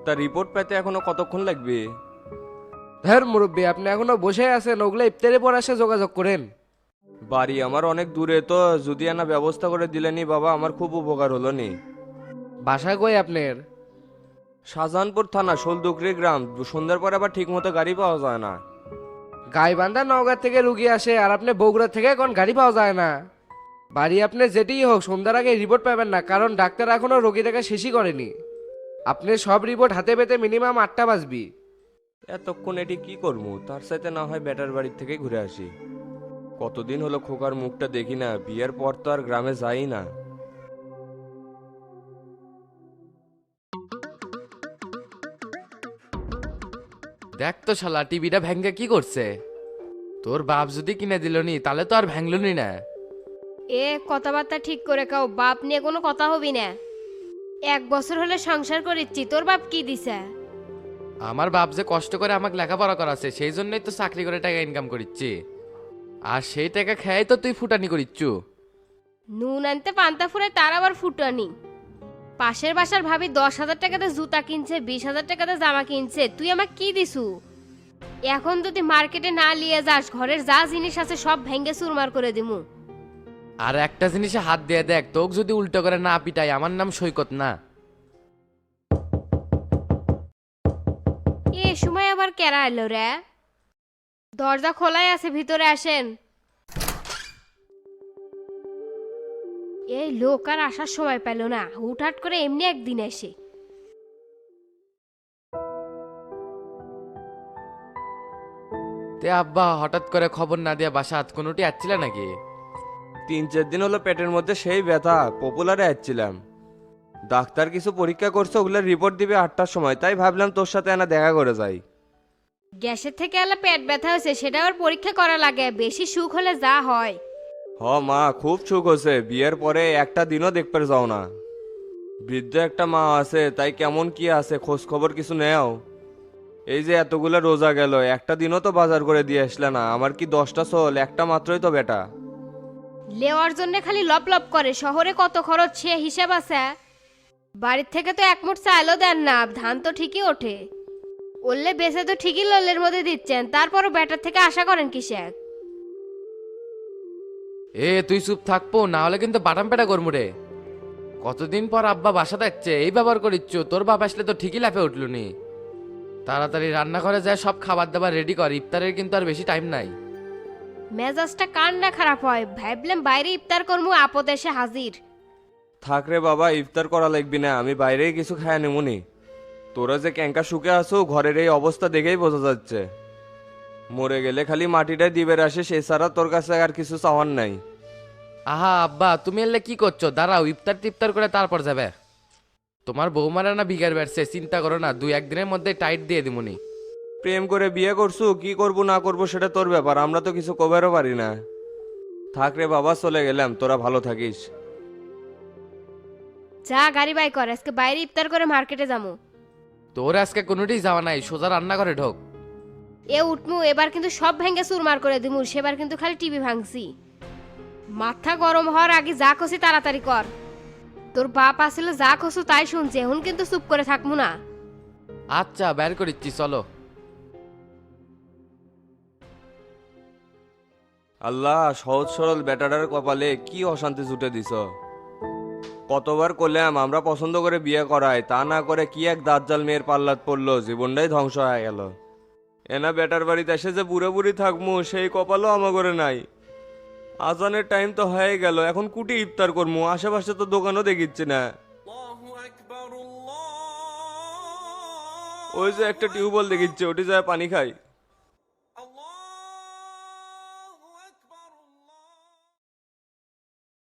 তা রিপোর্ট পেতে এখনো কতক্ষণ লাগবে? ধর মুরব্বী, আপনি এখনো বসে আছেন, ওগুলো ইফতারের পর এসে যোগাযোগ করেন। বাড়ি আমার অনেক দূরে, তো যদি না ব্যবস্থা করে দিলেনি বাবা আমার খুব উপকার হলো নি। বাসা কই আপনার? শাহজাহানপুর থানা শোলদুকরি গ্রাম। সন্ধ্যার পর আবার ঠিক মতো গাড়ি পাওয়া যায় না। গাইবান্ধা নওগাঁ থেকে রুগী আসে, আর আপনি বগুড়া থেকে কোন গাড়ি পাওয়া যায় না। বাড়ি আপনি যেতেই হোক, সন্ধ্যার আগে রিপোর্ট পাবেন না, কারণ ডাক্তার এখনো রোগী দেখা শেষই করেনি। আপনি সব রিপোর্ট হাতে পেতে মিনিমাম 8টা বাজবি। এতক্ষণ এটি কি করবো, তার সাথে না হয় বেটার বাড়ির থেকে ঘুরে আসি। কতদিন হলো খোকার মুখটা দেখি না, বিয়ের পর তো আর গ্রামে যাই না। দেখ তো শালা টিভিটা ভেঙ্গে কি করছে। তোর বাপ যদি কিনে দিল নি তাহলে তো আর ভাঙলনি না। এ কথাবার্তা ঠিক করে কাও, বাপ নিয়ে কোনো কথা হবি না। 1 বছর হলে সংসার করেছি, তোর বাপ কি দিছে? আমার বাপ যে কষ্ট করে আমাকে লেখাপড়া করাছে সেই জন্যই তো চাকরি করে টাকা ইনকাম করিচ্ছি। আর সেই টাকা খেয়ে তো তুই ফুটানি করিচ্ছু। নুন আনতে পান্তা ফুরে তার আবার ফুটানি। পাশের বাসার ভাবি 10,000 টাকাতে জুতা কিনছে, 20,000 টাকাতে জামা কিনছে, তুই আমাকে কি দিছু? এখন যদি মার্কেটে না নিয়ে যাস, ঘরের যা জিনিস আছে সব ভেঙ্গে চুরমার করে দিমু। আর একটা জিনিসে হাত দিয়ে দেখ, তোকে যদি উল্টো করে না পিটাই, আমার নাম সৈকত না। এ সময় আবার কেরা এলো রে? দরজা খোলাই আছে, ভিতরে আসেন। এই লোক আর আসার সময় পেল না, হুটহাট করে এমনি একদিন এসে। তে আব্বা হঠাৎ করে খবর না দিয়া বাসাত কোনোটি আসছিল নাকি? 3-4 দিন হলো পেটের মধ্যে সেই ব্যথা, পপুলারে আসছিলাম। ডাক্তার কিছু পরীক্ষা করছে, ওগুলোর রিপোর্ট দিবে 8টার সময়, তাই ভাবলাম তোর সাথে এনা দেখা করে যাই। গ্যাসের থেকে এলে পেট ব্যথা হয়েছে, সেটা আবার পরীক্ষা করা লাগে, বেশি সুখ হলে যা হয়। হ মা, খুব সুখ হচ্ছে, বিয়ের পরে একটা দিনও দেখতে যাও না। বৃদ্ধ একটা মা আছে, তাই কেমন কি আছে খোঁজ খবর কিছু নেও। এই যে এতগুলো রোজা গেল, একটা দিনও তো বাজার করে দিয়ে আসলে না। আমার কি 10টা চল, একটা মাত্রই তো বেটা। লেওয়ার জন্য খালি লপ লপ করে, শহরে কত খরচ সে হিসাব আছে? বাড়ির থেকে তো 1 মুঠ চাইলেও দেন না, ধান তো ঠিকই ওঠে। ওরলে বেঁচে তো ঠিকই ললের মধ্যে দিচ্ছেন, তারপরও ব্যাটার থেকে আশা করেন কিসেক? এ তুই চুপ থাকবো না হলে কিন্তু বাটাম পেটা করমু রে। কতদিন পর আব্বা বাসা থাকছে এই ব্যবহার করিচ্ছু, তোর বাপ আসলে তো ঠিকই লাফে উঠলুনি। তাড়াতাড়ি রান্না করে যায়, সব খাবার দাবার রেডি কর, ইফতারের কিন্তু আর বেশি টাইম নাই। মেজাজটা কার না খারাপ হয়, ভাবলাম বাইরে ইফতার করমু, আপদ এসে হাজির। থাক রে বাবা, ইফতার করা লাগবি না, আমি বাইরেই কিছু খায় নেমুনি। তোরা যে ক্যাঙ্কা শুকে আসো, ঘরের এই অবস্থা দেখেই বোঝা যাচ্ছে। মরে গেলে খালি মাটিটাই দিবের আসে, এছাড়া তোর কাছে আর কিছু চাওয়ার নাই। আহা আব্বা তুমি এলে কি করছো, দাঁড়াও ইফতার টিফতার করে তারপর যাবে। তোমার বৌমারা না বিগার বেড়ছে, চিন্তা করো না, 2-1 দিনের মধ্যে টাইট দিয়ে দিমুনি। প্রেম করে বিয়ে করছু, কি করবো না করবো সেটা তোর ব্যাপার, আমরা তো কিছু কবেরও পারি না। থাক রে বাবা, চলে গেলাম, তোরা ভালো থাকিস। যা গাড়ি বাই কর, আজকে বাইরে ইফতার করে মার্কেটে যাবো। তোর আজকে কোনোটি যাওয়া নাই, সোজা রান্না করে ঢোক। এ উঠমু, এবার কিন্তু সব ভেঙ্গে চুরমার করে দিমু, সেবার কিন্তু খালি টিভি ভাঙছি। মাথা গরম হওয়ার আগে যা কষি তাড়াতাড়ি কর। তোর বাপ আসলে যা কষু তাই শুনছে, এখন কিন্তু চুপ করে থাকমু না। আচ্ছা বের করিচ্ছি চলো। আল্লাহ, সহজ সরল বেটাটার কপালে কি অশান্তি জুটে দিছ। কতবার করলাম আমরা পছন্দ করে বিয়ে করাই, তা না করে কি এক দাজ্জাল মেয়ের পাল্লাত পড়লো, জীবনটাই ধ্বংস হয়ে গেল। এনা বেটার বাড়িতে এসে যে বুড়ো বুড়ি থাকবো সেই কপালও আমার করে নাই। আজানের টাইম তো হয়ে গেল, এখন কুটি ইফতার করবো, আশেপাশে তো দোকানও দেখিচ্ছি না। ওই যে একটা টিউবওয়েল দেখিচ্ছে, ওটি যায় পানি খাই।